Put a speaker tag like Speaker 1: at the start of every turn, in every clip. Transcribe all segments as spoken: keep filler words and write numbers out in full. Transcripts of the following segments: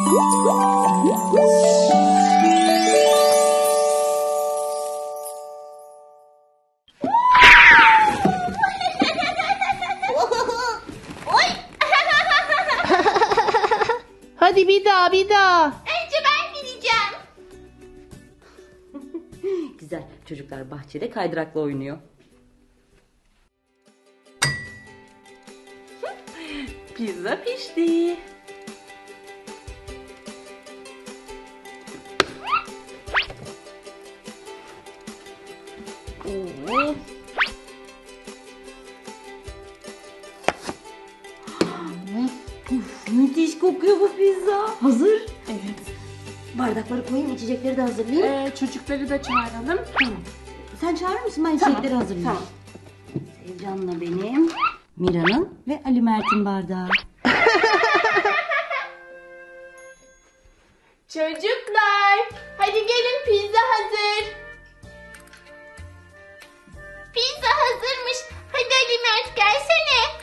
Speaker 1: Hadi bir daha bir daha.
Speaker 2: Önce ben gideceğim.
Speaker 3: Güzel. Çocuklar bahçede kaydırakla oynuyor. Pizza pişti. Oo. Uf, müthiş kokuyor bu pizza. Hazır.
Speaker 2: Evet.
Speaker 3: Bardakları koyayım, içecekleri de hazırlayayım.
Speaker 2: Ee, çocukları da çağıralım.
Speaker 3: Tamam. Sen çağırır mısın? Ben
Speaker 2: Tamam,
Speaker 3: içecekleri hazırlayayım.
Speaker 2: tamam.
Speaker 3: Sevcan'la benim, Mira'nın ve Ali Mert'in bardağı.
Speaker 2: Çocuklar, hadi gelin, pizza hazır. Pizza hazırmış. Hadi Ali Mert, gelsene.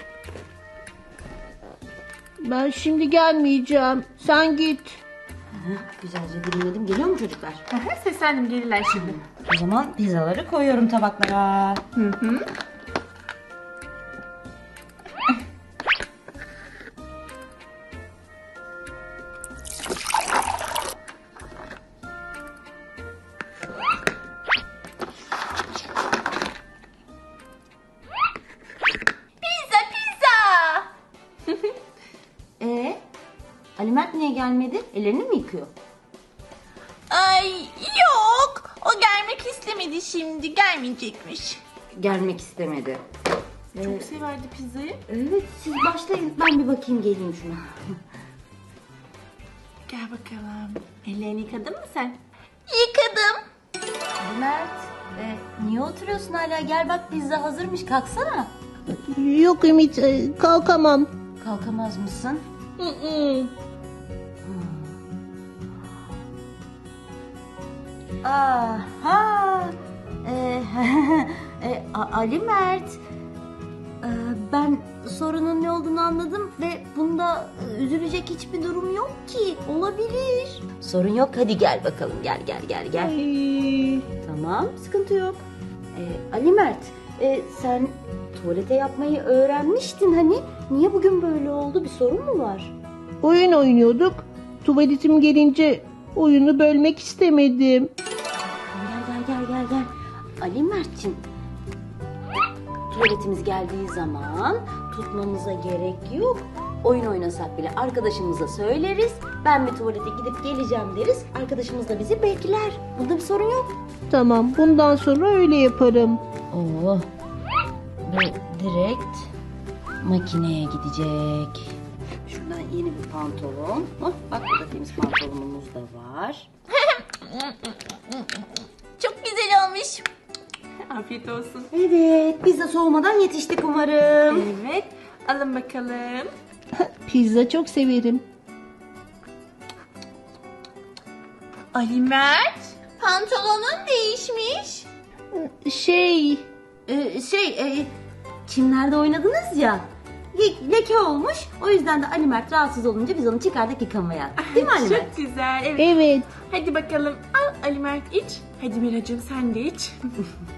Speaker 1: Ben şimdi gelmeyeceğim. Sen git.
Speaker 3: Heh, güzelce dilimledim. Geliyor mu çocuklar?
Speaker 2: Seslendim, gelirler şimdi.
Speaker 3: O zaman pizzaları koyuyorum tabaklara.
Speaker 2: Hı hı. Pizza, pizza.
Speaker 3: Ee, Ali Mert niye gelmedi? Ellerini mi yıkıyor?
Speaker 2: Ay yok. O gelmek istemedi şimdi. Gelmeyecekmiş.
Speaker 3: Gelmek istemedi.
Speaker 2: Çok severdi pizzayı.
Speaker 3: Evet, siz başlayın. Ben bir bakayım, geleyim şuna.
Speaker 2: Gel bakalım. Ellerini yıkadın mı sen? Yıkadım.
Speaker 3: Ali Mert, e, niye oturuyorsun hala? Gel bak, pizza hazırmış. Kalksana.
Speaker 1: Yok Ümit, e, kalkamam.
Speaker 3: Kalkamaz mısın?
Speaker 1: Hı hı.
Speaker 3: Aha. Ee, e, A- Ali Mert. Ee, ben sorunun ne olduğunu anladım ve bunda e, üzülecek hiçbir durum yok ki. Olabilir. Sorun yok. Hadi gel bakalım. Gel gel gel gel.
Speaker 1: Ay.
Speaker 3: Tamam, sıkıntı yok. Ee, Ali Mert, e, sen tuvalete yapmayı öğrenmiştin hani. Niye bugün böyle oldu? Bir sorun mu var?
Speaker 1: Oyun oynuyorduk. Tuvaletim gelince oyunu bölmek istemedim.
Speaker 3: Gel gel gel gel gel. Ali Mert'ciğim. Tuvaletimiz geldiği zaman tutmamıza gerek yok. Oyun oynasak bile arkadaşımıza söyleriz. Ben bir tuvalete gidip geleceğim deriz. Arkadaşımız da bizi bekler. Bunda bir sorun yok.
Speaker 1: Tamam, bundan sonra öyle yaparım.
Speaker 3: Oo. Bu direkt makineye gidecek. Şuradan yeni bir pantolon. Oh, bak burada temiz pantolonumuz da var.
Speaker 2: Çok güzel olmuş. Afiyet olsun.
Speaker 3: Evet, pizza soğumadan yetiştik umarım.
Speaker 2: Evet. Alın bakalım.
Speaker 1: Pizza çok severim.
Speaker 2: Ali Mert. Pantolonun değişmiş.
Speaker 1: Şey,
Speaker 3: Ee, şey, e, çimlerde oynadınız ya. Le- leke olmuş. O yüzden de Ali Mert rahatsız olunca biz onu çıkardık yıkamaya. Değil mi Ali Mert?
Speaker 2: Çok güzel. Evet.
Speaker 1: evet.
Speaker 2: Hadi bakalım. Al Ali Mert, iç. Hadi Miracığım, sen de iç.